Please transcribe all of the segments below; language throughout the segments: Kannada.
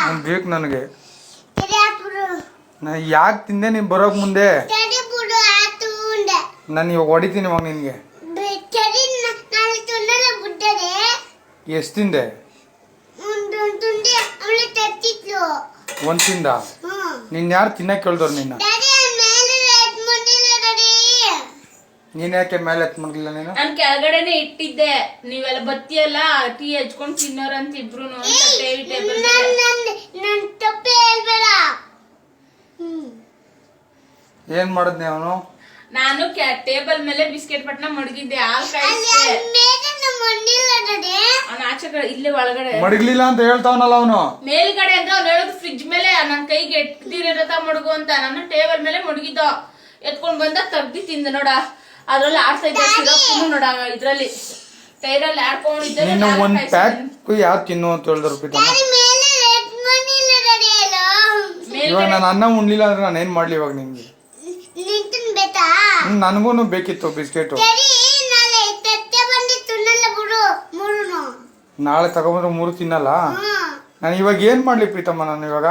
ಬೇಕು ನನಗೆ. ನಾ ಯಾಕೆ ತಿಂದೆ ನೀನು ಬರೋಕ್ ಮುಂದೆ? ನಾನು ಇವಾಗ ಹೊಡಿತೀನಿ ಇವಾಗ ನಿನಗೆ. ಎಷ್ಟು ತಿಂದೆ? ಒಂದು ತಿಂದ? ನಿನ್ನ ಯಾರು ತಿನ್ನಕ್ಕೆ ಕೇಳ್ದವ್ರು ನಿನ್ನ? ನೀನ್ ಯಾಕೆ ಮೇಲೆ ಎತ್ ಮಾಡ್ಲಿಲ್ಲ ನೀನು? ನಾನು ಕೆಳಗಡೆನೆ ಇಟ್ಟಿದ್ದೆ, ನೀವೆಲ್ಲ ಬತ್ತಿಯಲ್ಲ ಟೀ ಹಚ್ಕೊಂಡು ತಿನ್ನೋರು ಅಂತ ಇಬ್ರು. ಏನ್ ಮಾಡದ್ನಿ ಅವನು? ನಾನು ಟೇಬಲ್ ಮೇಲೆ ಬಿಸ್ಕೆಟ್ ಪಟ್ನ ಮಡಗಿದ್ದೆ, ಅವ್ನ ಆಚೆ ಕಡೆ ಇಲ್ಲೇ ಒಳಗಡೆ ಮಡಗ್ಲಿಲ್ಲ ಅಂತ ಹೇಳ್ತಾವನಲ್ಲ ಅವನು. ಮೇಲ್ಗಡೆ ಅಂದ್ರೆ ಅವ್ನು ಹೇಳೋದು ಫ್ರಿಡ್ಜ್ ಮೇಲೆ ನನ್ ಕೈಗೆ ಎಟ್ದಿರತ ಮಡಗು ಅಂತ. ನಾನು ಟೇಬಲ್ ಮೇಲೆ ಮಡಗಿದ್ದ, ಎತ್ಕೊಂಡ್ ಬಂದ ತಗ್ದಿ ತಿಂದ ನೋಡ. ಅದ್ರಲ್ಲಿ ಆಡ್ತಾ ಇದ್ದ ಸಿರಪ್ ನೋಡ, ಇದ್ರಲ್ಲಿ ಟೈರಲ್ಲಿ ಆಡ್ಕೊಂಡಿದ್ದೆ. ಒಂದ್ ಪ್ಯಾಕ್ ಯಾರು ತಿನ್ನು ಅಂತ ಹೇಳಿದ್ರು. ಇವಾಗ ನಾನು ಅನ್ನ ಉಣ್ಲಿಲ್ಲ ಅಂದ್ರೆ ನಾನು ಏನ್ ಮಾಡ್ಲಿ ಇವಾಗ ನಿಮ್ಗೆ? ನನಗೂ ಬೇಕಿತ್ತು ಬಿಸ್ಕೆಟ್. ನಾಳೆ ತಗೊಂಡ್ರೆ 3 ತಿನ್ನಲ್ಲ. ನಾನು ಇವಾಗ ಏನ್ ಮಾಡ್ಲಿ ಪ್ರೀತಮ್ಮ? ನಾನು ಇವಾಗ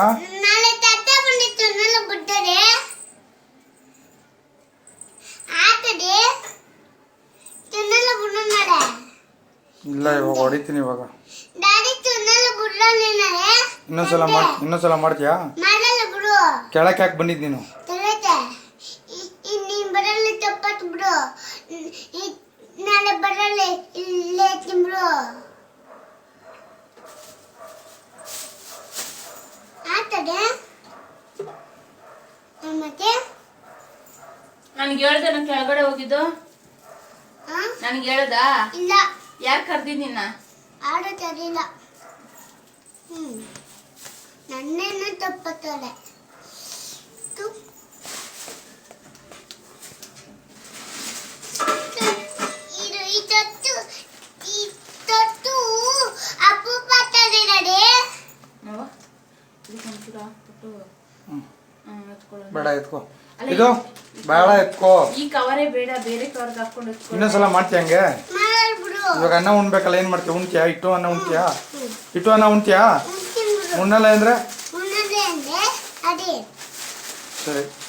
ಇಲ್ಲ, ಇವಾಗ ಹೊಡಿತೀನಿ. ಇವಾಗ ಇನ್ನೊಂದ್ಸಲ ಮಾಡ್ತೀಯಾ? ಕೆಳಕ್ಕೆ ಯಾಕೆ ಬಂದಿದ್ ನೀನು? ನನ್ಗೆ ಹೇಳ್ದೆ ನಾನು ಕೆಳಗಡೆ ಹೋಗಿದ್ದು? ನನ್ಗೆ ಹೇಳ್ದ? ಇಲ್ಲ. ಯಾರು ಕರ್ದಿದ್ ನಿನ್ನ? ಆಡೋದಿಲ್ಲ. ನನ್ನೇನು ತಪ್ಪತ್ತಲೆ. ಬೇಡ ಎತ್ಕೋ, ಇದು ಬೇಡ ಎತ್ಕೋ. ಈ ಕವರೇ ಬೇಡ, ಬೇರೆ ಕವರ್ಗೆ ಹಾಕೊಂಡು ಇನ್ನೊಂದ್ಸಲ ಮಾಡ್ತೀಯ ಹಂಗೆ? ಇವಾಗ ಅನ್ನ ಉಣ್ಬೇಕಲ್ಲ, ಏನ್ ಮಾಡ್ತೀಯ? ಉಣ್ತೀಯಾ? ಇಟ್ಟು ಅನ್ನ ಉಣ್ತೀಯಾ? ಇಟ್ಟು ಅನ್ನ ಉಣ್ತೀಯಾ? ಉಣ್ಣಲ್ಲ ಅಂದ್ರೆ ಸರಿ.